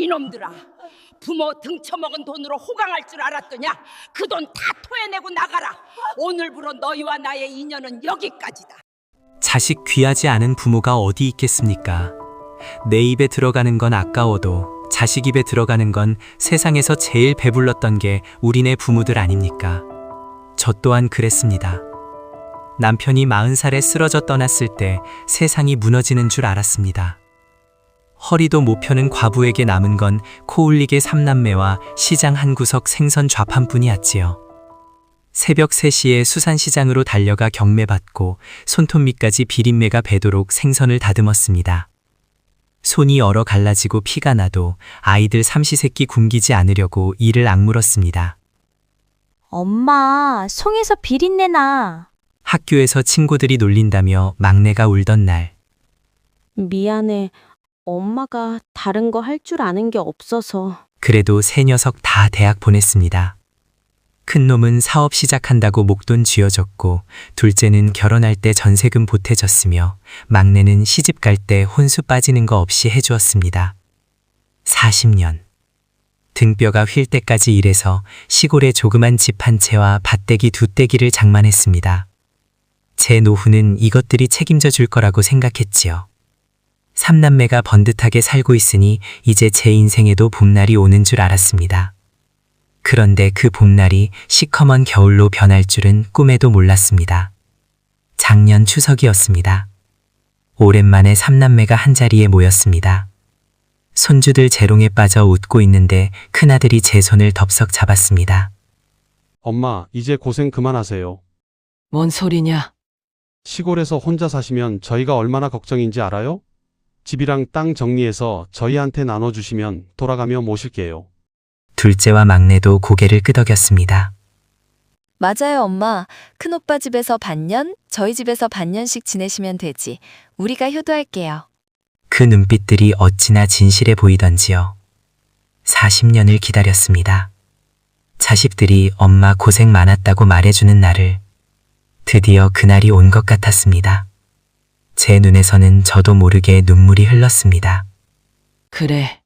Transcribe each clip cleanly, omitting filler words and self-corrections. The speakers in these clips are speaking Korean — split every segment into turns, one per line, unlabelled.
이놈들아, 부모 등쳐먹은 돈으로 호강할 줄 알았더냐? 그 돈 다 토해내고 나가라. 오늘부로 너희와 나의 인연은 여기까지다.
자식 귀하지 않은 부모가 어디 있겠습니까? 내 입에 들어가는 건 아까워도 자식 입에 들어가는 건 세상에서 제일 배불렀던 게 우리네 부모들 아닙니까? 저 또한 그랬습니다. 남편이 40살에 쓰러져 떠났을 때 세상이 무너지는 줄 알았습니다. 허리도 못 펴는 과부에게 남은 건 코울릭의 3남매와 시장 한 구석 생선 좌판뿐이었지요. 새벽 3시에 수산시장으로 달려가 경매받고 손톱 밑까지 비린내가 배도록 생선을 다듬었습니다. 손이 얼어 갈라지고 피가 나도 아이들 삼시세끼 굶기지 않으려고 이를 악물었습니다.
엄마, 송에서 비린내 나.
학교에서 친구들이 놀린다며 막내가 울던 날,
미안해. 엄마가 다른 거 할 줄 아는 게 없어서.
그래도 세 녀석 다 대학 보냈습니다. 큰 놈은 사업 시작한다고 목돈 쥐어줬고, 둘째는 결혼할 때 전세금 보태줬으며, 막내는 시집 갈 때 혼수 빠지는 거 없이 해주었습니다. 40년. 등뼈가 휠 때까지 일해서 시골에 조그만 집 한 채와 밭대기 2떼기를 장만했습니다. 제 노후는 이것들이 책임져 줄 거라고 생각했지요. 3남매가 번듯하게 살고 있으니 이제 제 인생에도 봄날이 오는 줄 알았습니다. 그런데 그 봄날이 시커먼 겨울로 변할 줄은 꿈에도 몰랐습니다. 작년 추석이었습니다. 오랜만에 3남매가 한자리에 모였습니다. 손주들 재롱에 빠져 웃고 있는데 큰아들이 제 손을 덥석 잡았습니다.
엄마, 이제 고생 그만하세요.
뭔 소리냐?
시골에서 혼자 사시면 저희가 얼마나 걱정인지 알아요? 집이랑 땅 정리해서 저희한테 나눠주시면 돌아가며 모실게요.
둘째와 막내도 고개를 끄덕였습니다.
맞아요, 엄마. 큰오빠 집에서 반년, 저희 집에서 반년씩 지내시면 되지. 우리가 효도할게요.
그 눈빛들이 어찌나 진실해 보이던지요. 40년을 기다렸습니다. 자식들이 엄마 고생 많았다고 말해주는 날을. 드디어 그날이 온 것 같았습니다. 제 눈에서는 저도 모르게 눈물이 흘렀습니다.
그래.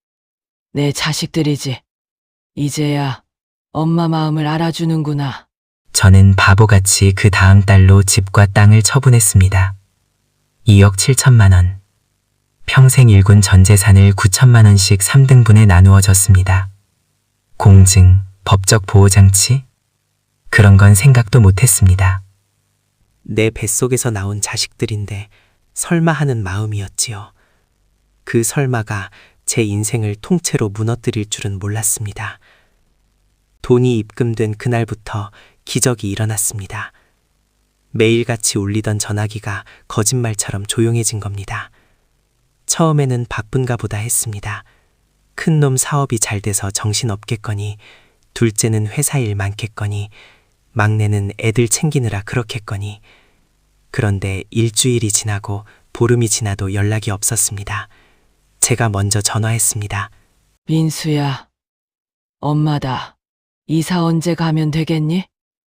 내 자식들이지. 이제야 엄마 마음을 알아주는구나.
저는 바보같이 그 다음 달로 집과 땅을 처분했습니다. 2억 7천만 원. 평생 일군 전 재산을 9천만 원씩 3등분에 나누어 줬습니다. 공증, 법적 보호장치? 그런 건 생각도 못했습니다. 내 뱃속에서 나온 자식들인데 설마 하는 마음이었지요. 그 설마가 제 인생을 통째로 무너뜨릴 줄은 몰랐습니다. 돈이 입금된 그날부터 기적이 일어났습니다. 매일같이 울리던 전화기가 거짓말처럼 조용해진 겁니다. 처음에는 바쁜가 보다 했습니다. 큰놈 사업이 잘 돼서 정신없겠거니, 둘째는 회사 일 많겠거니, 막내는 애들 챙기느라 그렇겠거니. 그런데 일주일이 지나고 보름이 지나도 연락이 없었습니다. 제가 먼저 전화했습니다.
민수야, 엄마다. 이사 언제 가면 되겠니?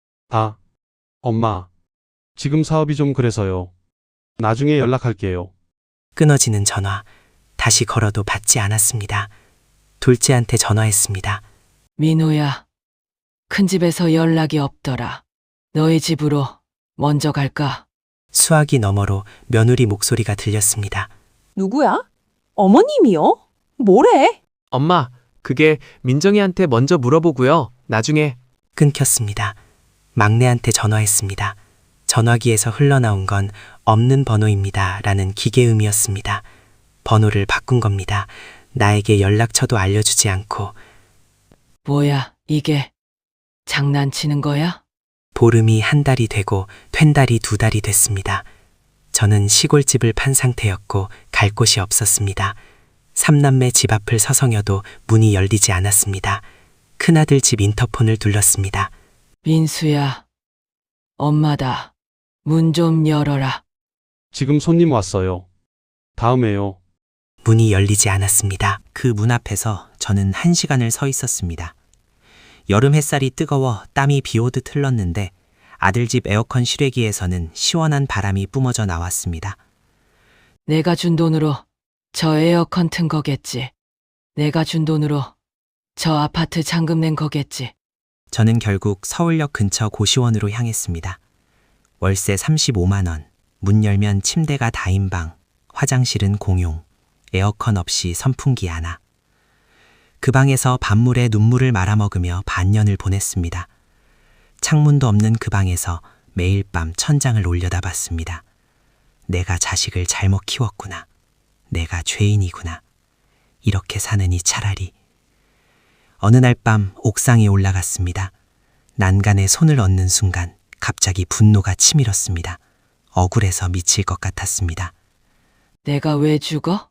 엄마. 지금 사업이 좀 그래서요. 나중에 연락할게요.
끊어지는 전화. 다시 걸어도 받지 않았습니다. 둘째한테 전화했습니다.
민호야, 큰 집에서 연락이 없더라. 너희 집으로 먼저 갈까?
수화기 너머로 며느리 목소리가 들렸습니다.
누구야? 어머님이요? 뭐래?
엄마, 그게 민정이한테 먼저 물어보고요. 나중에.
끊겼습니다. 막내한테 전화했습니다. 전화기에서 흘러나온 건 없는 번호입니다. 라는 기계음이었습니다. 번호를 바꾼 겁니다. 나에게 연락처도 알려주지 않고.
뭐야, 이게 장난치는 거야?
보름이 한 달이 되고 된 달이 2달이 됐습니다. 저는 시골집을 판 상태였고 갈 곳이 없었습니다. 3남매 집 앞을 서성여도 문이 열리지 않았습니다. 큰아들 집 인터폰을 둘렀습니다.
민수야, 엄마다. 문 좀 열어라.
지금 손님 왔어요. 다음에요.
문이 열리지 않았습니다. 그 문 앞에서 저는 1시간을 서 있었습니다. 여름 햇살이 뜨거워 땀이 비오듯 흘렀는데 아들 집 에어컨 실외기에서는 시원한 바람이 뿜어져 나왔습니다.
내가 준 돈으로 저 에어컨 튼 거겠지. 내가 준 돈으로 저 아파트 잔금 낸 거겠지.
저는 결국 서울역 근처 고시원으로 향했습니다. 월세 35만 원, 문 열면 침대가 다인방, 화장실은 공용, 에어컨 없이 선풍기 하나. 그 방에서 밤물에 눈물을 말아먹으며 반년을 보냈습니다. 창문도 없는 그 방에서 매일 밤 천장을 올려다봤습니다. 내가 자식을 잘못 키웠구나. 내가 죄인이구나. 이렇게 사느니 차라리. 어느 날 밤 옥상에 올라갔습니다. 난간에 손을 얹는 순간 갑자기 분노가 치밀었습니다. 억울해서 미칠 것 같았습니다.
내가 왜 죽어?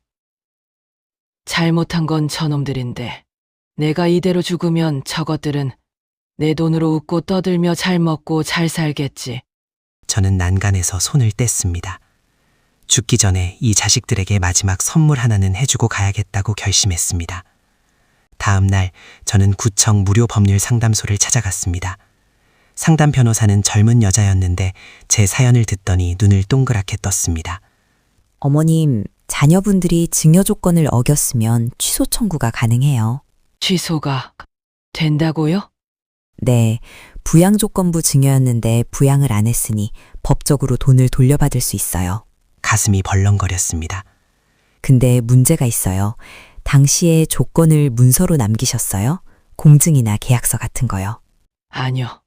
잘못한 건 저놈들인데 내가 이대로 죽으면 저것들은 내 돈으로 웃고 떠들며 잘 먹고 잘 살겠지.
저는 난간에서 손을 뗐습니다. 죽기 전에 이 자식들에게 마지막 선물 하나는 해주고 가야겠다고 결심했습니다. 다음 날 저는 구청 무료 법률 상담소를 찾아갔습니다. 상담 변호사는 젊은 여자였는데 제 사연을 듣더니 눈을 동그랗게 떴습니다.
어머님, 자녀분들이 증여 조건을 어겼으면 취소 청구가 가능해요.
취소가 된다고요?
네, 부양조건부 증여였는데 부양을 안 했으니 법적으로 돈을 돌려받을 수 있어요.
가슴이 벌렁거렸습니다.
근데 문제가 있어요. 당시에 조건을 문서로 남기셨어요? 공증이나 계약서 같은 거요.
아니요.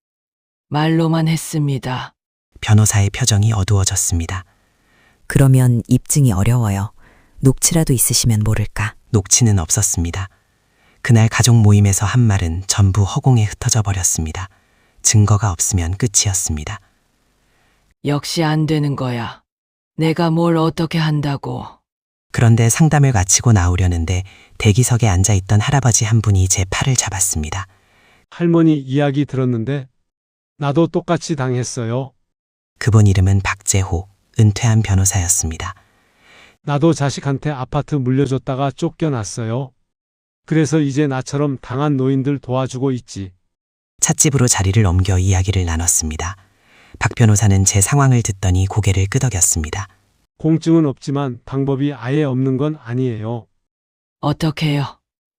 말로만 했습니다.
변호사의 표정이 어두워졌습니다.
그러면 입증이 어려워요. 녹취라도 있으시면 모를까.
녹취는 없었습니다. 그날 가족 모임에서 한 말은 전부 허공에 흩어져 버렸습니다. 증거가 없으면 끝이었습니다.
역시 안 되는 거야. 내가 뭘 어떻게 한다고.
그런데 상담을 마치고 나오려는데 대기석에 앉아있던 할아버지 한 분이 제 팔을 잡았습니다.
할머니 이야기 들었는데 나도 똑같이 당했어요.
그분 이름은 박재호, 은퇴한 변호사였습니다.
나도 자식한테 아파트 물려줬다가 쫓겨났어요. 그래서 이제 나처럼 당한 노인들 도와주고 있지.
찻집으로 자리를 옮겨 이야기를 나눴습니다. 박 변호사는 제 상황을 듣더니 고개를 끄덕였습니다.
공증은 없지만 방법이 아예 없는 건 아니에요.
어떻게 해요?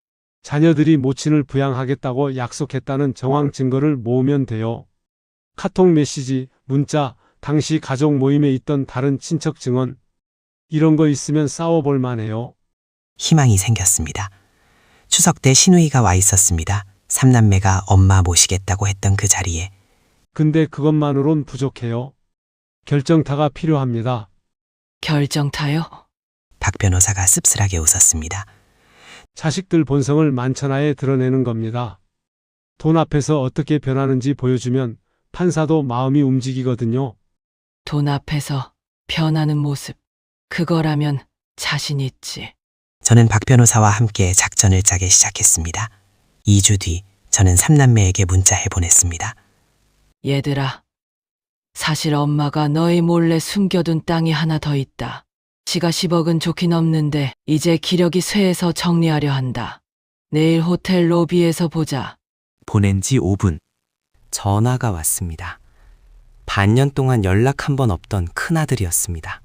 자녀들이 모친을 부양하겠다고 약속했다는 정황 증거를 모으면 돼요. 카톡 메시지, 문자, 당시 가족 모임에 있던 다른 친척 증언, 이런 거 있으면 싸워볼 만해요.
희망이 생겼습니다. 추석 때 시누이가 와 있었습니다. 삼남매가 엄마 모시겠다고 했던 그 자리에.
근데 그것만으론 부족해요. 결정타가 필요합니다.
결정타요?
박 변호사가 씁쓸하게 웃었습니다.
자식들 본성을 만천하에 드러내는 겁니다. 돈 앞에서 어떻게 변하는지 보여주면 판사도 마음이 움직이거든요.
돈 앞에서 변하는 모습. 그거라면 자신 있지.
저는 박 변호사와 함께 작전을 짜기 시작했습니다. 2주 뒤 저는 삼남매에게 문자해 보냈습니다.
얘들아, 사실 엄마가 너희 몰래 숨겨둔 땅이 하나 더 있다. 지가 10억은 좋긴 없는데 이제 기력이 쇠해서 정리하려 한다. 내일 호텔 로비에서 보자.
보낸 지 5분. 전화가 왔습니다. 반년 동안 연락 한 번 없던 큰아들이었습니다.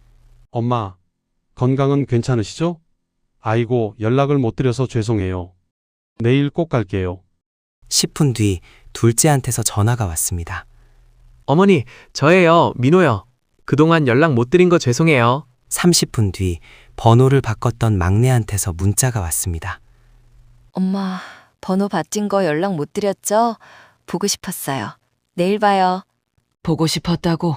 엄마, 건강은 괜찮으시죠? 아이고, 연락을 못 드려서 죄송해요. 내일 꼭 갈게요.
10분 뒤 둘째한테서 전화가 왔습니다.
어머니, 저예요. 민호요. 그동안 연락 못 드린 거 죄송해요.
30분 뒤 번호를 바꿨던 막내한테서 문자가 왔습니다.
엄마, 번호 바뀐 거 연락 못 드렸죠? 보고 싶었어요. 내일 봐요.
보고 싶었다고?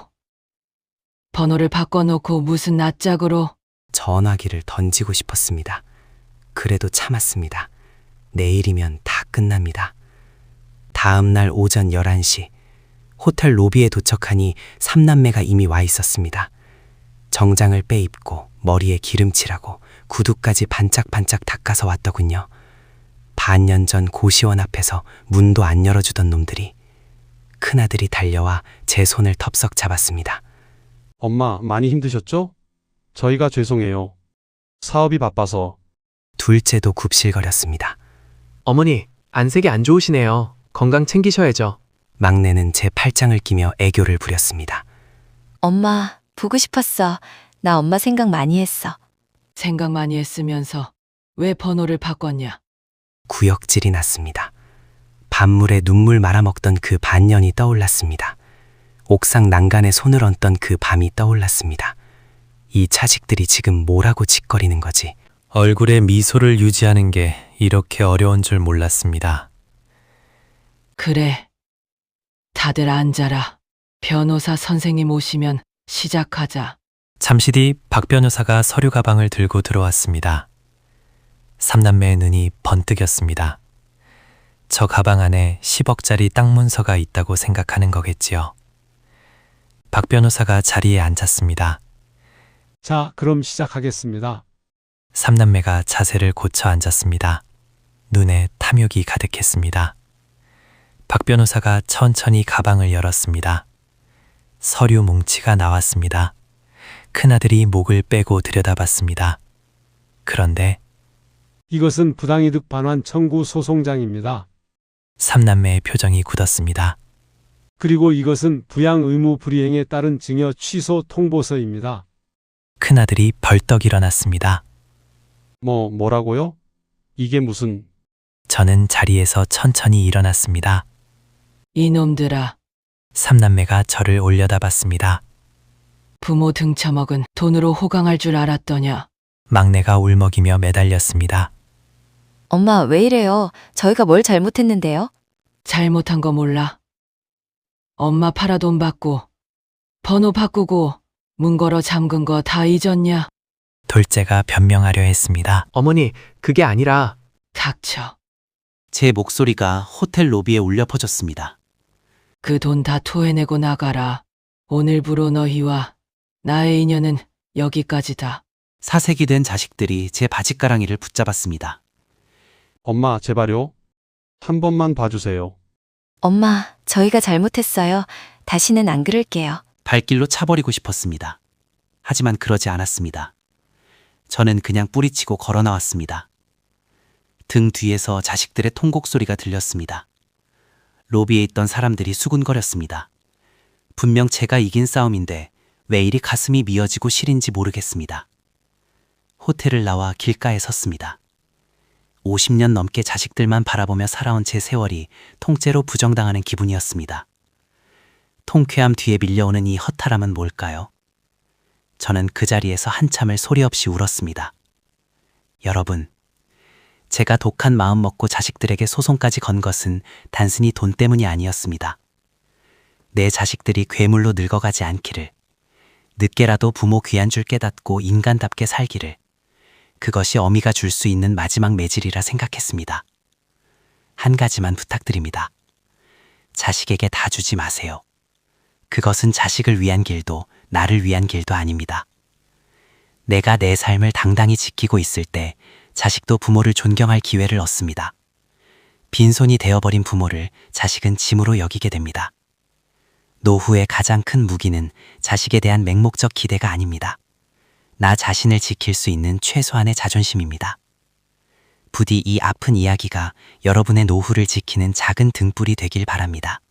번호를 바꿔놓고 무슨 낯짝으로?
전화기를 던지고 싶었습니다. 그래도 참았습니다. 내일이면 다 끝납니다. 다음 날 오전 11시 호텔 로비에 도착하니 삼남매가 이미 와 있었습니다. 정장을 빼입고 머리에 기름칠하고 구두까지 반짝반짝 닦아서 왔더군요. 반년 전 고시원 앞에서 문도 안 열어주던 놈들이. 큰아들이 달려와 제 손을 덥석 잡았습니다.
엄마, 많이 힘드셨죠? 저희가 죄송해요. 사업이 바빠서.
둘째도 굽실거렸습니다.
어머니, 안색이 안 좋으시네요. 건강 챙기셔야죠.
막내는 제 팔짱을 끼며 애교를 부렸습니다.
엄마, 보고 싶었어. 나 엄마 생각 많이 했어.
생각 많이 했으면서 왜 번호를 바꿨냐?
구역질이 났습니다. 밤물에 눈물 말아먹던 그 반년이 떠올랐습니다. 옥상 난간에 손을 얹던 그 밤이 떠올랐습니다. 이 자식들이 지금 뭐라고 짓거리는 거지? 얼굴에 미소를 유지하는 게 이렇게 어려운 줄 몰랐습니다.
그래. 다들 앉아라. 변호사 선생님 오시면 시작하자.
잠시 뒤 박 변호사가 서류 가방을 들고 들어왔습니다. 삼남매의 눈이 번뜩였습니다. 저 가방 안에 10억짜리 땅 문서가 있다고 생각하는 거겠지요. 박 변호사가 자리에 앉았습니다.
자, 그럼 시작하겠습니다.
삼남매가 자세를 고쳐 앉았습니다. 눈에 탐욕이 가득했습니다. 박 변호사가 천천히 가방을 열었습니다. 서류 뭉치가 나왔습니다. 큰아들이 목을 빼고 들여다봤습니다. 그런데
이것은 부당이득 반환 청구 소송장입니다.
삼남매의 표정이 굳었습니다.
그리고 이것은 부양 의무 불이행에 따른 증여 취소 통보서입니다.
큰아들이 벌떡 일어났습니다.
뭐라고요? 이게 무슨...
저는 자리에서 천천히 일어났습니다.
이놈들아,
삼남매가 저를 올려다봤습니다.
부모 등쳐먹은 돈으로 호강할 줄 알았더냐?
막내가 울먹이며 매달렸습니다.
엄마, 왜 이래요? 저희가 뭘 잘못했는데요?
잘못한 거 몰라? 엄마 팔아 돈 받고, 번호 바꾸고, 문 걸어 잠근 거 다 잊었냐?
둘째가 변명하려 했습니다.
어머니, 그게 아니라
닥쳐.
제 목소리가 호텔 로비에 울려 퍼졌습니다.
그 돈 다 토해내고 나가라. 오늘부로 너희와 나의 인연은 여기까지다.
사색이 된 자식들이 제 바짓가랑이를 붙잡았습니다.
엄마, 제발요. 한 번만 봐주세요.
엄마, 저희가 잘못했어요. 다시는 안 그럴게요.
발길로 차버리고 싶었습니다. 하지만 그러지 않았습니다. 저는 그냥 뿌리치고 걸어 나왔습니다. 등 뒤에서 자식들의 통곡 소리가 들렸습니다. 로비에 있던 사람들이 수군거렸습니다. 분명 제가 이긴 싸움인데 왜 이리 가슴이 미어지고 시린지 모르겠습니다. 호텔을 나와 길가에 섰습니다. 50년 넘게 자식들만 바라보며 살아온 제 세월이 통째로 부정당하는 기분이었습니다. 통쾌함 뒤에 밀려오는 이 허탈함은 뭘까요? 저는 그 자리에서 한참을 소리 없이 울었습니다. 여러분, 제가 독한 마음 먹고 자식들에게 소송까지 건 것은 단순히 돈 때문이 아니었습니다. 내 자식들이 괴물로 늙어가지 않기를, 늦게라도 부모 귀한 줄 깨닫고 인간답게 살기를, 그것이 어미가 줄 수 있는 마지막 매질이라 생각했습니다. 한 가지만 부탁드립니다. 자식에게 다 주지 마세요. 그것은 자식을 위한 길도 나를 위한 길도 아닙니다. 내가 내 삶을 당당히 지키고 있을 때 자식도 부모를 존경할 기회를 얻습니다. 빈손이 되어버린 부모를 자식은 짐으로 여기게 됩니다. 노후의 가장 큰 무기는 자식에 대한 맹목적 기대가 아닙니다. 나 자신을 지킬 수 있는 최소한의 자존심입니다. 부디 이 아픈 이야기가 여러분의 노후를 지키는 작은 등불이 되길 바랍니다.